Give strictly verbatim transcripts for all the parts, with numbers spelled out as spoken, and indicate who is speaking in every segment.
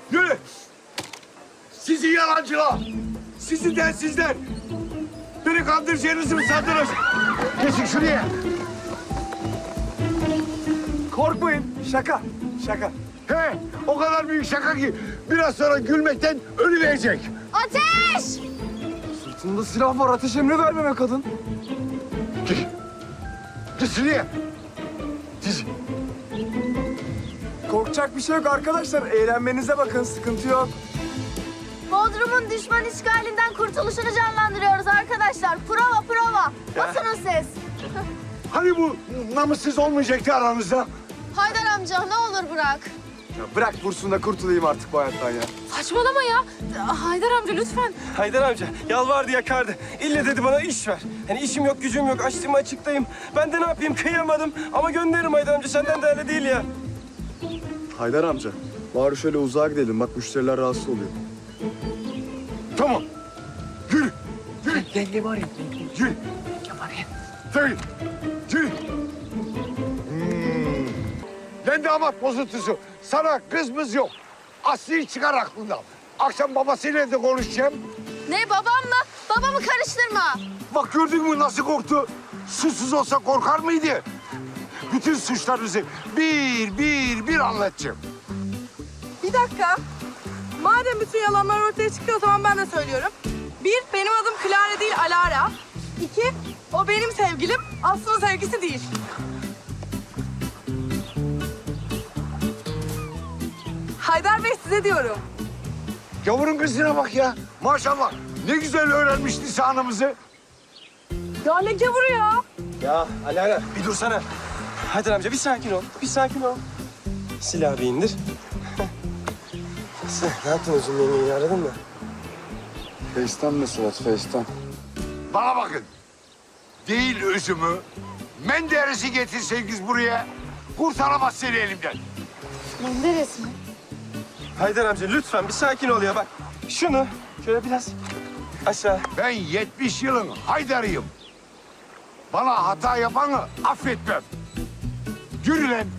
Speaker 1: Yürü. Sizi yalancılar. Sizi densizler. Beni kandıracağınızı mı sandınız? Geçin şuraya.
Speaker 2: Korkmayın. Şaka. Şaka.
Speaker 1: He, o kadar büyük şaka ki biraz sonra gülmekten ölüverecek.
Speaker 3: Ateş!
Speaker 2: Sırtında silah var. Ateş emri vermeme kadın.
Speaker 1: Git. Git şuraya. Git.
Speaker 2: Korkacak bir şey yok arkadaşlar. Eğlenmenize bakın. Sıkıntı yok.
Speaker 3: Bodrum'un düşman işgalinden kurtuluşunu canlandırıyoruz arkadaşlar. Prova prova. Basının ses.
Speaker 1: Hani bu namussuz olmayacaktı aranızda?
Speaker 3: Haydar amca ne olur bırak.
Speaker 2: Ya bırak vursun da kurtulayım artık bu hayattan ya.
Speaker 3: Saçmalama ya. Haydar amca lütfen.
Speaker 4: Haydar amca yalvardı yakardı. İlle dedi bana iş ver. Hani işim yok gücüm yok açtım açıktayım. Ben de ne yapayım kıyamadım. Ama gönderirim Haydar amca senden de öyle değil ya.
Speaker 2: Haydar amca. Bari şöyle uzağa gidelim. Bak müşteriler rahatsız oluyor.
Speaker 1: Tamam. Yürü. Yürü.
Speaker 4: Yenge var ya.
Speaker 1: Yürü. Yürü. Yürü. Hmm. Ben damat bozuntusu. Sana kız mız yok. Aslı'yı çıkar aklından. Akşam babasıyla da konuşacağım.
Speaker 3: Ne babamla? Babamı karıştırma.
Speaker 1: Bak gördün mü nasıl korktu? Susuz olsa korkar mıydı? Bütün suçlarınızı bir bir bir anlatacağım.
Speaker 5: Bir dakika. Madem bütün yalanlar ortaya çıkıyor o zaman ben de söylüyorum. Bir, benim adım Clara değil Alara. İki, o benim sevgilim, Aslı'nın sevgisi değil. Haydar Bey size diyorum.
Speaker 1: Gavurun kızına bak ya. Maşallah. Ne güzel öğrenmiş lisanımızı.
Speaker 5: Ya ne gavuru ya?
Speaker 4: Ya Alara bir dursana. Haydar amca bir sakin ol. Bir sakin ol. Silahı bir indir. Sen ne yaptın Özüm yengeyi aradın mı?
Speaker 2: Face'ten mesela Face'ten.
Speaker 1: Bana bakın. Değil özümü. Menderes'i getirseniz buraya. Kurtaramaz seni elimden.
Speaker 3: Menderes mi?
Speaker 4: Haydar amca lütfen bir sakin ol ya bak. Şunu şöyle biraz aşağı.
Speaker 1: Ben yetmiş yılın Haydar'ıyım. Bana hata yapanı affetmem. Yürü lan.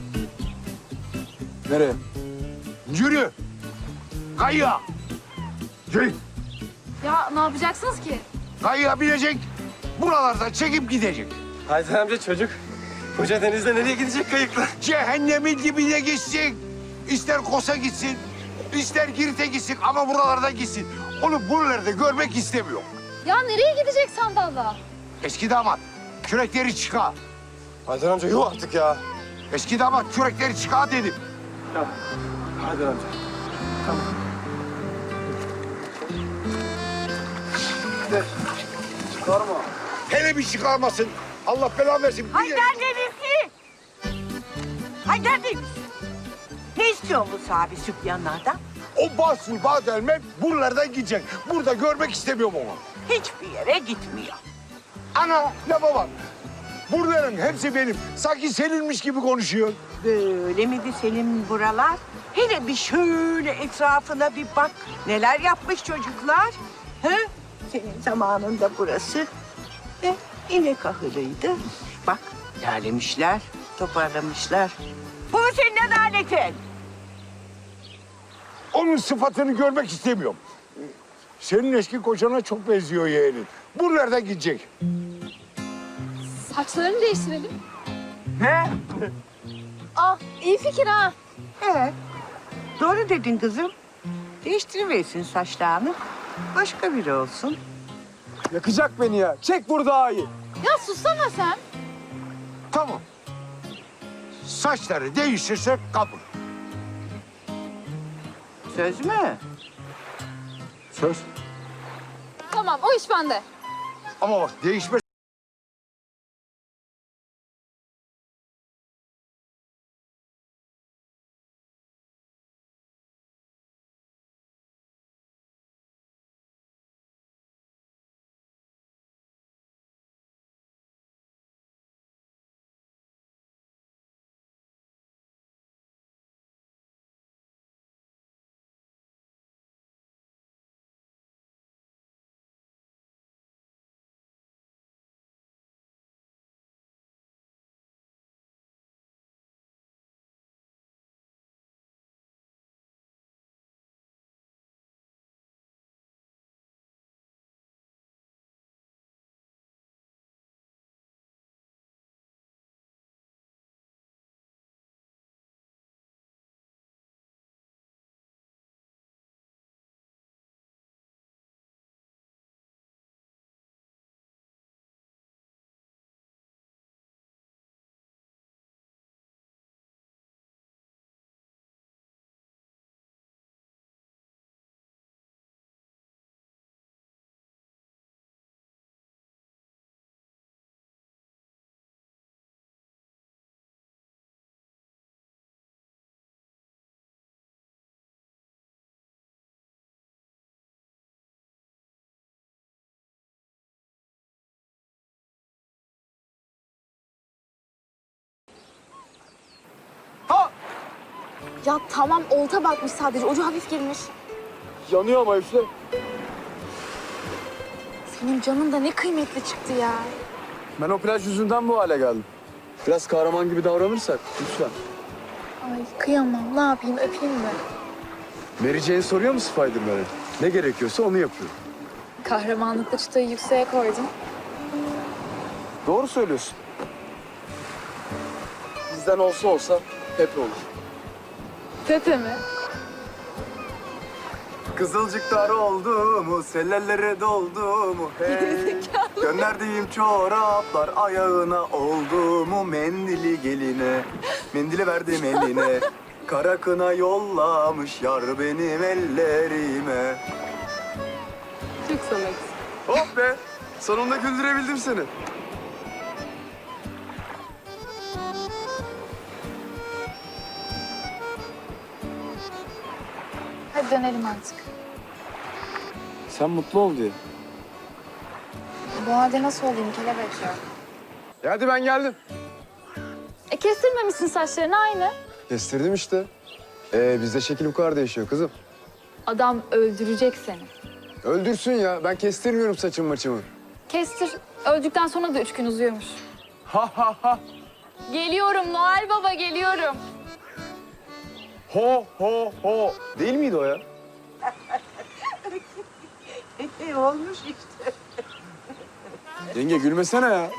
Speaker 2: Nereye?
Speaker 1: Yürü. Kayığa. Yürü.
Speaker 3: Ya ne yapacaksınız ki?
Speaker 1: Kayığa binecek. Buralarda çekip gidecek.
Speaker 4: Haydar amca çocuk. Koca denizde nereye gidecek kayıkla?
Speaker 1: Cehennemin dibine gitsin. İster Kosa gitsin, ister Girit'e gitsin ama buralarda gitsin. Onu buralarda görmek istemiyor.
Speaker 3: Ya nereye gidecek sandalla?
Speaker 1: Eski damat, kürekleri çıkar.
Speaker 4: Haydar amca yuh artık ya.
Speaker 1: Eski damat, kürekleri çıkar dedim.
Speaker 4: Ya Haydar amca.
Speaker 2: Çıkarma.
Speaker 1: Hele bir çıkarmasın. Allah belanı versin. Bir
Speaker 6: Haydar Denizli! Haydar Denizli! Ne istiyor bu sahibi sübyanlardan?
Speaker 1: O Basur Badelme buralardan gidecek. Burada görmek istemiyorum onu.
Speaker 6: Hiçbir yere gitmiyor.
Speaker 1: Ana, lafa bak. Buraların hepsi benim. Sanki seninmiş gibi konuşuyor.
Speaker 6: Böyle miydi senin buralar? Hele bir şöyle etrafına bir bak. Neler yapmış çocuklar? He? Senin zamanında burası e, inek ahırıydı. Bak derlemişler, toparlamışlar. Bu mu senin adaletin?
Speaker 1: Onun sıfatını görmek istemiyorum. Senin eski kocana çok benziyor yeğenin. Buralardan gidecek.
Speaker 3: Saçlarını değiştirelim.
Speaker 6: He?
Speaker 3: Ah iyi fikir ha.
Speaker 6: He. Doğru dedin kızım. Değiştiriversin saçlarını. Başka biri olsun.
Speaker 2: Yakacak beni ya. Çek vur daha iyi.
Speaker 3: Ya sussana sen.
Speaker 1: Tamam. Saçları değişirsek kabul.
Speaker 6: Söz mü?
Speaker 1: Söz.
Speaker 3: Tamam o iş bende.
Speaker 1: Ama bak değişme
Speaker 3: Ya tamam olta batmış sadece. Ucu hafif girmiş.
Speaker 2: Yanıyor ama üfle.
Speaker 3: Senin canın da ne kıymetli çıktı ya.
Speaker 2: Ben o plaj yüzünden bu hale geldim. Biraz kahraman gibi davranırsak lütfen.
Speaker 3: Ay kıyamam. Ne yapayım? Öpeyim mi?
Speaker 2: Mary Jane soruyor mu Spider-Man'e? Ne gerekiyorsa onu yapıyor.
Speaker 3: Kahramanlıkta çıtayı yükseğe koydun.
Speaker 2: Doğru söylüyorsun. Bizden olsa olsa hep olur.
Speaker 3: Pepe mi?
Speaker 2: Kızılcıklar oldu mu, sellellere doldu mu hey? Gönderdiğim çoraplar ayağına oldu mu, mendili geline, mendili verdim eline. Kara kına yollamış yar benim ellerime.
Speaker 5: Çok sanat.
Speaker 2: Hop be, sonunda güldürebildim seni.
Speaker 3: Hadi dönelim artık.
Speaker 2: Sen mutlu ol diye.
Speaker 3: Bu halde nasıl olayım kelebek ya?
Speaker 2: E hadi ben geldim.
Speaker 3: E kestirmemişsin saçlarını aynı.
Speaker 2: Kestirdim işte. Ee, bizde şekil bu kadar değişiyor kızım.
Speaker 3: Adam öldürecek seni.
Speaker 2: Öldürsün ya, ben kestirmiyorum saçım maçımı.
Speaker 3: Kestir. Öldükten sonra da üç gün uzuyormuş.
Speaker 2: Ha ha ha.
Speaker 3: Geliyorum Noel Baba geliyorum.
Speaker 2: Ho ho ho. Değil miydi o ya?
Speaker 6: E, olmuş işte.
Speaker 2: Yenge gülmesene ya.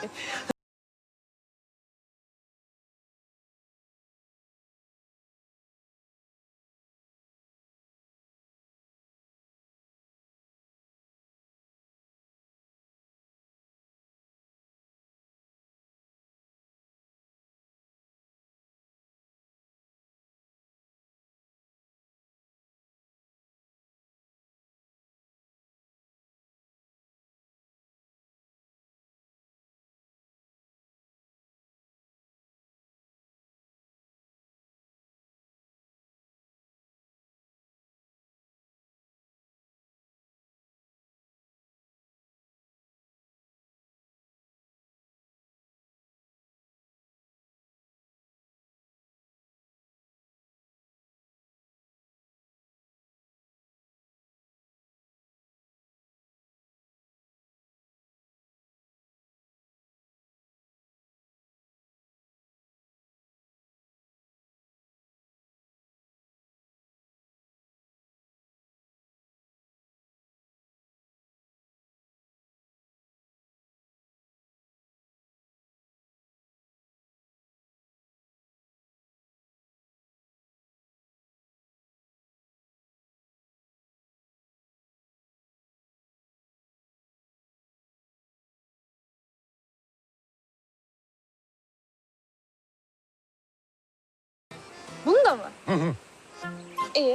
Speaker 3: Bunu da mı? İyi.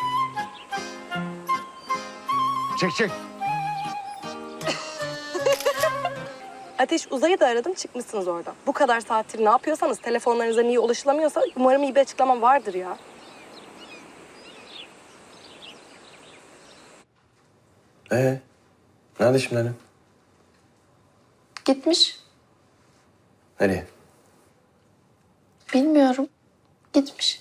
Speaker 1: Çek çek.
Speaker 5: Ateş Uzay'ı da aradım çıkmışsınız oradan. Bu kadar saattir ne yapıyorsanız telefonlarınıza niye ulaşılamıyorsa umarım iyi bir açıklama vardır ya.
Speaker 4: Ee, nerede şimdi annem?
Speaker 7: Gitmiş.
Speaker 4: Nereye?
Speaker 7: Bilmiyorum. Gitmiş.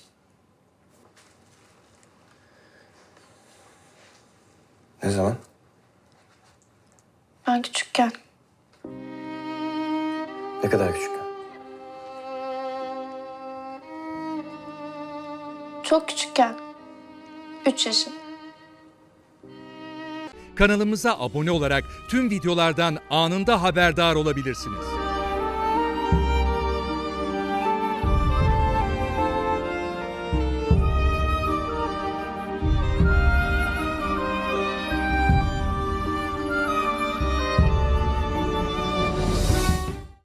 Speaker 4: Ne zaman?
Speaker 7: Ben küçükken.
Speaker 4: Ne kadar küçük?
Speaker 7: Çok küçükken. Üç yaşında.
Speaker 8: Kanalımıza abone olarak tüm videolardan anında haberdar olabilirsiniz.